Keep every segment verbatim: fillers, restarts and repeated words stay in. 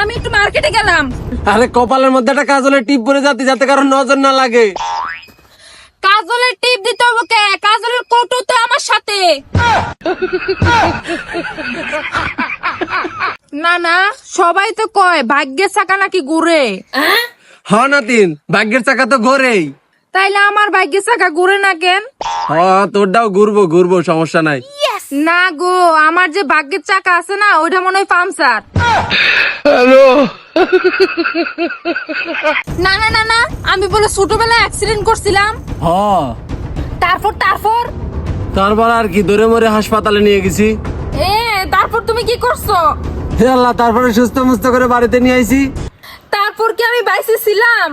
আমি একটু মার্কেটে গেলাম। আরে কপালের মধ্যে একটা কাজলের টিপ পরে যাতে যাতে কারণ নজর না লাগে। কাজলের টিপ দিতে হবে কে? কাজলের কৌটো তো আমার সাথে। না না, সবাই তো কয় ভাগ্যের চাকা নাকি ঘুরে। হ নাতিন, ভাগ্যের চাকা তো ঘোরেই। তাইলে আমার ভাগ্যের চাকা ঘুরে না কেন? হ তোরটাও ঘুরবো ঘুরবো, সমস্যা নাই। না গো, আমার যে ভাগ্যের চাকা আছে না, ওইটা মনে হয় পাংচার। হ্যালো। না না না না, আমি বলে ছোটবেলায় অ্যাক্সিডেন্ট করছিলাম। হ তারপর তারপর তারপর আর কি, ধরে মরে হাসপাতালে নিয়ে গেছি। এ তারপর তুমি কি করছো? হে আল্লাহ, তারপরে সুস্থ মুস্থ করে বাড়িতে নিয়ে আইছি। তারপর কি আমি বাইসে ছিলাম?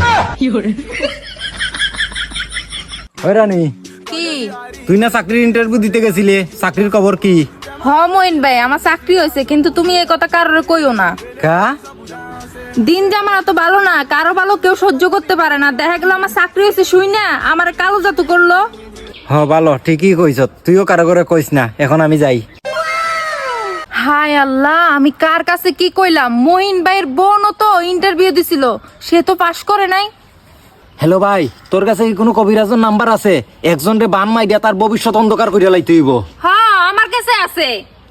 ওই রানী, কি? তুই না চাকরির ইন্টারভিউ দিতে গেছিলে, চাকরির খবর কি? হ মইন ভাই, আমার চাকরি হয়েছে, কিন্তু তুমি এই কথা কারোর কইও না। কা দিন জামা এত ভালো না, কারো ভালো কেউ সহ্য করতে পারে না। দেখা গেল আমার চাকরি হয়েছে, শুই না আমার কালো জাতু করলো। হ ভালো, ঠিকই কইছ, তুইও কারো করে কইস না, এখন আমি যাই। হায় আল্লাহ, আমি কার কাছে কি কইলাম? মইন ভাইয়ের বোনও তো ইন্টারভিউ দিছিল, সে তো পাশ করে নাই। হ্যালো ভাই, তোর কাছে কি কোনো কবিরাজের নাম্বার আছে? একজন রে বান মাই দিয়া তার ভবিষ্যৎ অন্ধকার করিয়া লাইতে হইব। হ্যাঁ আমার কাছে আছে।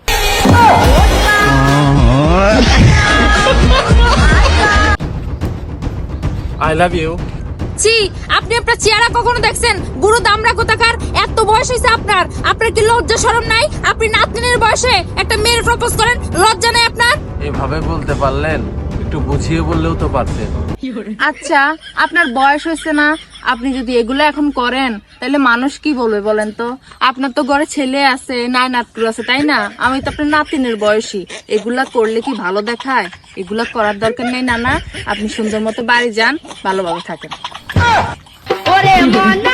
I love you. জি, আপনি আপনার চেহারা কখনো দেখছেন? বুড়ো দামড়া কোথাকার, এত বয়স হয়েছে আপনার, আপনার কি লজ্জা শরম নাই? আপনি নাতনির বয়সে একটা মেয়ের প্রপোজ করেন, লজ্জা নাই আপনার? এভাবে বলতে পারলেন, একটু বুঝিয়ে বললেও তো পারতেন। আচ্ছা, আপনার বয়স হয়েছে না, আপনি যদি এগুলো এখন করেন তাহলে মানুষ কি বলবে বলেন তো? আপনার তো ঘরে ছেলে আছে, নাই নাতু আছে, তাই না? আমি তো আপনার নাতিনের বয়সী। এগুলা করলে কি ভালো দেখায়? এগুলা করার দরকার নেই নানা, আপনি সুন্দর মতো বাড়ি যান, ভালোভাবে থাকেন। ওরে মনা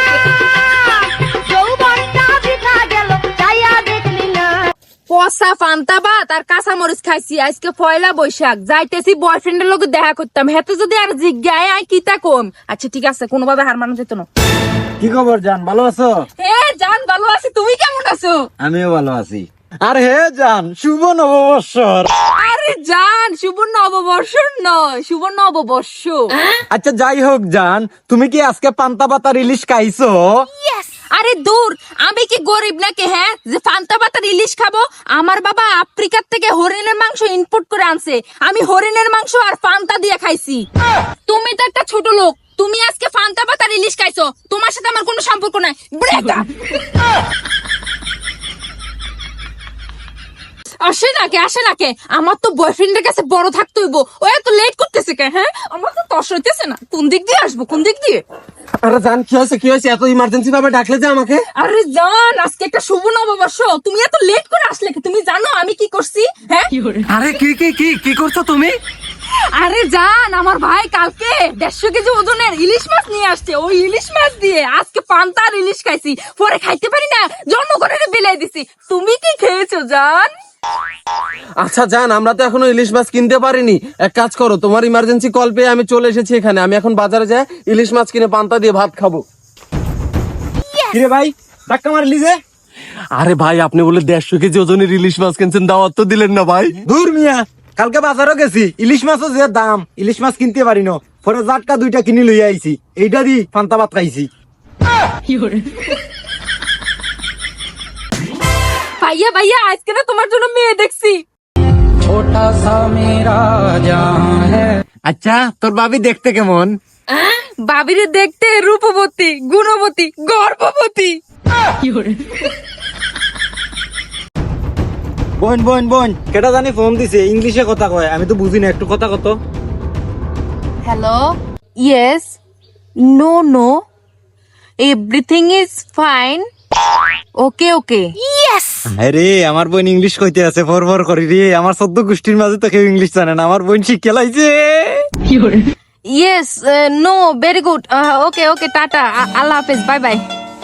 যৌবনটা বৃথা গেল চাইয়া দেখলি না। পচা পান্তা ভাত আর কাঁচা মরিচ খাইছি, আজকে পয়লা বৈশাখ, যাইতেছি বয়ফ্রেন্ডের লোকে দেখা করতাম, হেতে যদি আর জিজ্ঞায় আই কিতা কম। আচ্ছা ঠিক আছে, কোনোভাবে হার মানা যেত না। কি খবর জান, ভালো আছো? হে জান, ভালো আছি, তুমি কেমন আছো? আমিও ভালো আছি। আর হে জান, শুভ নববর্ষর। আরে জান, শুভ নববর্ষ নয়, শুভ নববর্ষ। আচ্ছা যাই হোক জান, তুমি কি আজকে পান্তা পাতা ইলিশ খাইছো? আরে দূর, আমি কি গরিব নাকি হ্যাঁ যে পান্তা পাতার ইলিশ খাবো? আমার বাবা আফ্রিকার থেকে হরিণের মাংস ইম্পোর্ট করে আনছে, আমি হরিণের মাংস আর পান্তা দিয়ে খাইছি। তুমি তো একটা ছোট লোক, তুমি আজকে পান্তা পাতার ইলিশ খাইছো, তোমার সাথে আমার কোনো সম্পর্ক নাই। ব্রেকআপ। আসে নাকে আসে নাকে, আমার তো বয়ফ্রেন্ডের কাছে বড় থাকতে হইব। ও এত লেট করতেছে কে? হ্যাঁ আমার তো তস হইতেছে না, কোন দিক দিয়ে আসবো, কোন দিক দিয়ে? আরে জান, কি হয়েছে কি হয়েছে, এত ইমার্জেন্সি ভাবে ডাকলে যে আমাকে? আরে জান, আজকে একটা শুভ নববর্ষ, তুমি এত লেট করে আসলে কি? তুমি জানো আমি কি করছি? হ্যাঁ আরে কি কি কি কি করছো তুমি? আরে জান, আমার ভাই কালকে দেড়শো কেজি ওজনের ইলিশ মাছ নিয়ে আসছে, ওই ইলিশ মাছ দিয়ে আজকে পান্তা আর ইলিশ খাইছি, পরে খাইতে পারি না, জন্ম করে বিলাই দিছি। তুমি কি খেয়েছো জান? আচ্ছা জান, আমরা তো এখনো ইলিশ মাছ কিনতে পারিনি। এক কাজ করো, তোমার ইমার্জেন্সি কল পেয়ে আমি চলে এসেছি এখানে। আমি এখন বাজারে যাই ইলিশ মাছ কিনে পান্তা দিয়ে ভাত খাবো। কিরে ভাই, ধাক্কা মারলি যে? আরে ভাই, আপনি বলে দেড়শো কেজি ওজনের ইলিশ মাছ কিনছেন, দাওয়াত তো দিলেন না ভাই। দূর মিয়া, কালকে বাজারও গেছি, ইলিশ মাছও যে দাম, ইলিশ মাছ কিনতে পারি না, পরে জাটকা দুইটা কিনে লই আইছি, এইটা দি পান্তা ভাত খাইছি। ভাইয়া ভাইয়া, আজকে না তোমার জন্য মেয়ে দেখছি। আচ্ছা, তোর ভাবি দেখতে কেমন? বাবিরে দেখতে রূপবতী, গুণবতী, গর্ভবতী। বোন বোন বোন, কেটা জানি ফোন দিছে, ইংলিশে কথা কয়, আমি তো বুঝি না, একটু কথা কত। Hello, yes, no no, everything is fine, okay okay. আরে আমার বোন ইংলিশ কইতে আছে, ফর ফর করি রে, আমার সদ্য গোষ্ঠীর মাঝে তো কেউ ইংলিশ জানে না, আমার বোন শিখে লাইছে। Yes, no, very good, okay okay, tata, আল্লাহ হাফেজ, বাই বাই।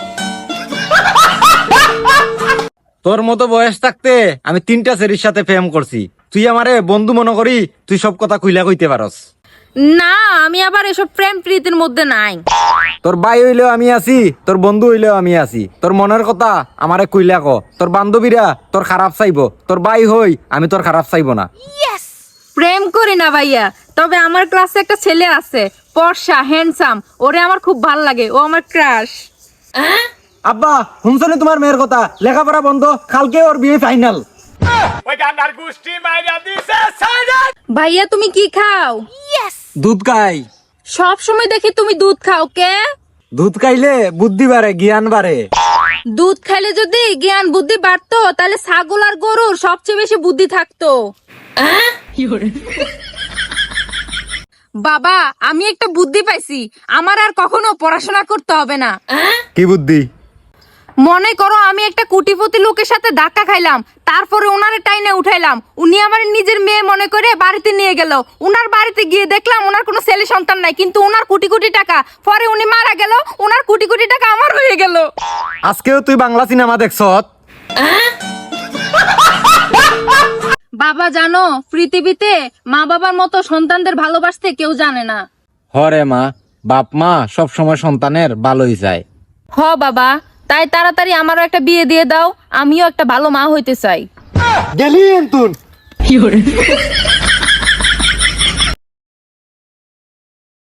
তোর মতো বয়স থাকতে আমি তিনটা ছেলের সাথে প্রেম করছি, তুই আমারে বন্ধু মনে করি তুই সব কথা খুইলা কইতে পারস? না, আমি আবার এসব প্রেম প্রীতির মধ্যে নাই। তোর ভাই হইলেও আমি আছি, তোর বন্ধু হইলেও আমি আছি, তোর মনের কথা আমারে কইলা ক, তোর বান্ধবীরা তোর খারাপ চাইবো, তোর ভাই হই আমি তোর খারাপ চাইবো না। প্রেম করি না ভাইয়া, তবে আমার ক্লাসে একটা ছেলে আছে, ফর্সা হ্যান্ডসাম, ওরে আমার খুব ভাল লাগে, ও আমার ক্রাশ। আব্বা শুনছনি তোমার মেয়ের কথা, লেখাপড়া বন্ধ, কালকে ওর বিয়ে ফাইনাল। ভাইয়া তুমি কি খাও? দুধ খাই। সব সময় দেখি তুমি দুধ খাও, কে? দুধ খাইলে বুদ্ধি বাড়ে, জ্ঞান বাড়ে। দুধ খাইলে যদি জ্ঞান বুদ্ধি বাড়তো তাহলে ছাগল আর গরুর সবচেয়ে বেশি বুদ্ধি থাকতো। বাবা আমি একটা বুদ্ধি পাইছি, আমার আর কখনো পড়াশোনা করতে হবে না। কি বুদ্ধি? মনে করো আমি একটা কোটিপতি লোকের সাথে ধাক্কা খাইলাম, তারপরে ওনারে টাইনে উঠাইলাম, উনি আমার নিজের মেয়ে মনে করে বাড়িতে নিয়ে গেল। উনার বাড়িতে গিয়ে দেখলাম ওনার কোনো ছেলে সন্তান নাই, কিন্তু ওনার কোটি কোটি টাকা। পরে উনি মারা গেল, ওনার কোটি কোটি টাকা আমার হয়ে গেল। আজকেও তুই বাংলা সিনেমা দেখছত? বাবা জানো, পৃথিবীতে মা বাবার মতো সন্তানদের ভালোবাসতে কেউ জানে না। হরে মা, বাপ মা সব সময় সন্তানের ভালোই চায়। হ বাবা, তাই তাড়াতাড়ি আমারও একটা বিয়ে দিয়ে দাও, আমিও একটা ভালো মা হইতে চাই। গেলি এন্তুন।